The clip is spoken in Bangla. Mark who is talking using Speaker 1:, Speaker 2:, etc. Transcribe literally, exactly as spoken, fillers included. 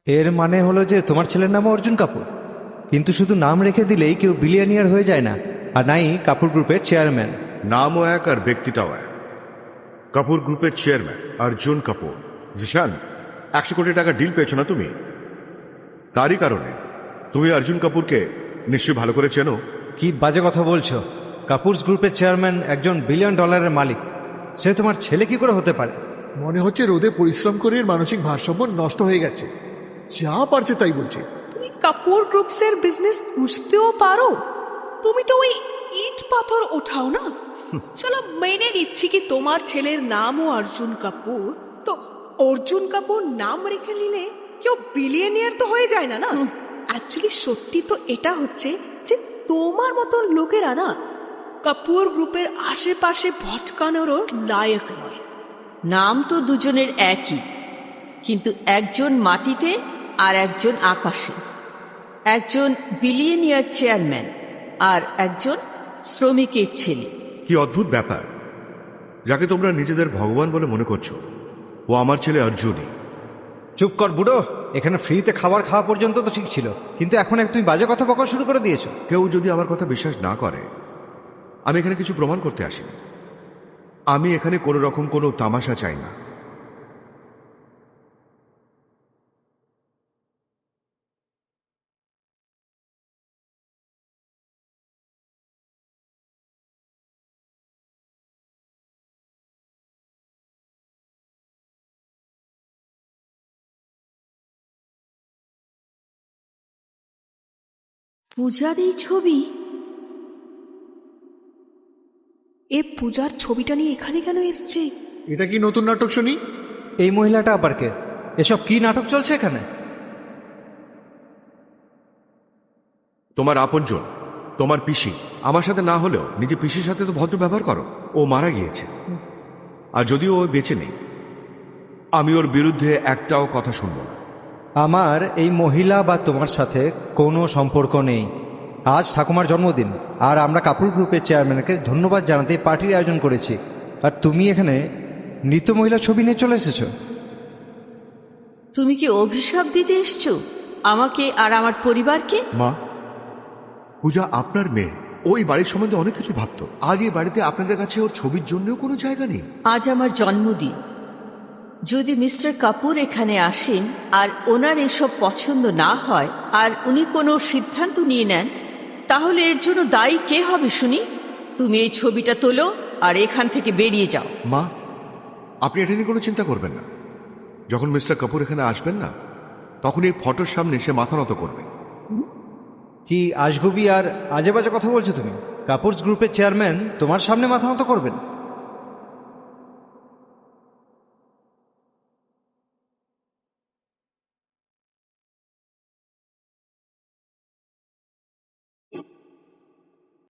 Speaker 1: এর মানে হলো যে তোমার ছেলের নাম অর্জুন কাপুর, কিন্তু শুধু নাম রেখে দিলেই কেউ বিলিয়নিয়ার হয়ে যায় না, আর নাই কাপুর গ্রুপের চেয়ারম্যান।
Speaker 2: নামও এক আর ব্যক্তিটাও এক। কাপুর গ্রুপের চেয়ারম্যান অর্জুন কাপুর। জিশান, একশো কোটি টাকা ডিল পেয়েছো না তুমি? তারই কারণে তুমি অর্জুন কাপুরকে নিশ্চয়ই ভালো করে চেনো।
Speaker 1: কি বাজে কথা বলছো? কাপুর গ্রুপের চেয়ারম্যান একজন বিলিয়ন ডলারের মালিক, সে তোমার ছেলে কি করে হতে পারে?
Speaker 3: মনে হচ্ছে রোদে পরিশ্রম করে এর মানসিক ভারসাম্য নষ্ট হয়ে গেছে, যা পারছে তাই বলছে।
Speaker 4: তুমি কাপুর গ্রুপসের বিজনেস বুঝতেও পারো? তুমি তো ওই ইট পাথর ওঠাও না। চলো মেনে নিচ্ছি কি তোমার ছেলের নামও অর্জুন কাপুর, তো অর্জুন কাপুর নাম রেখে নিলে কেউ বিলিয়নিয়ার তো হয়ে যায় না না। অ্যাকচুয়ালি সত্যি তো এটা হচ্ছে যে তোমার মতন লোকেরা না কাপুর গ্রুপের আশেপাশে ভটকানোরও লায়ক নয়।
Speaker 5: নাম তো দুজনের একই, কিন্তু একজন মাটিতে আর একজন আকাশে। একজন বিলিয়নিয়ার চেয়ারম্যান আর একজন শ্রমিকের ছেলে।
Speaker 2: কি অদ্ভুত ব্যাপার! যাকে তোমরা নিজেদের ভগবান বলে মনে করছো, ও আমার ছেলে অর্জুনই।
Speaker 1: চুপ কর বুড়ো, এখানে ফ্রিতে খাবার খাওয়া পর্যন্ত তো ঠিক ছিল, কিন্তু এখন এক তুমি বাজে কথা বকা শুরু করে দিয়েছো।
Speaker 2: কেউ যদি আমার কথা বিশ্বাস না করে, আমি এখানে কিছু প্রমাণ করতে আসিনি। আমি এখানে কোনো রকম কোনো তামাশা চাই না।
Speaker 5: পূজার এই ছবি?
Speaker 4: এ পূজার ছবিটা নিয়ে এখানে কেন এসছে?
Speaker 3: এটা কি নতুন নাটক শুনি?
Speaker 1: এই মহিলাটা আবার কে? এসব কি নাটক চলছে এখানে?
Speaker 2: তোমার আপনজন, তোমার পিসি। আমার সাথে না হলেও নিজে পিসির সাথে তো ভদ্র ব্যবহার করো। ও মারা গিয়েছে, আর যদিও ও বেঁচে নেই, আমি ওর বিরুদ্ধে একটাও কথা শুনব না।
Speaker 1: আমার এই মহিলা বা তোমার সাথে কোনো সম্পর্ক নেই। আজ ঠাকুমার জন্মদিন, আর আমরা কাপুর গ্রুপের চেয়ারম্যানকে ধন্যবাদ জানাতে পার্টির আয়োজন করেছি, আর তুমি এখানে মৃত মহিলার ছবি নিয়ে চলে এসেছো।
Speaker 5: তুমি কি অভিশাপ দিতে এসছো আমাকে আর আমার পরিবারকে?
Speaker 2: মা, পূজা আপনার মেয়ে, ওই বাড়ির সম্বন্ধে অনেক কিছু ভাবতো। আজ এই বাড়িতে আপনাদের কাছে ওর ছবির জন্যও কোনো জায়গা নেই।
Speaker 5: আজ আমার জন্মদিন। যদি মিস্টার কাপুর এখানে আসেন আর ওনার এসব পছন্দ না হয় আর উনি কোনো সিদ্ধান্ত নিয়ে নেন, তাহলে এর জন্য দায়ী কে হবে শুনি? তুমি এই ছবিটা তোলো আর এখান থেকে বেরিয়ে যাও।
Speaker 2: মা, আপনি এটা নিয়ে কোনো চিন্তা করবেন না। যখন মিস্টার কাপুর এখানে আসবেন না, তখন এই ফটোর সামনে সে মাথা নত করবে।
Speaker 1: কি আজগুবি আর আজে বাজে কথা বলছো তুমি? কাপুর গ্রুপের চেয়ারম্যান তোমার সামনে মাথা নত করবেন?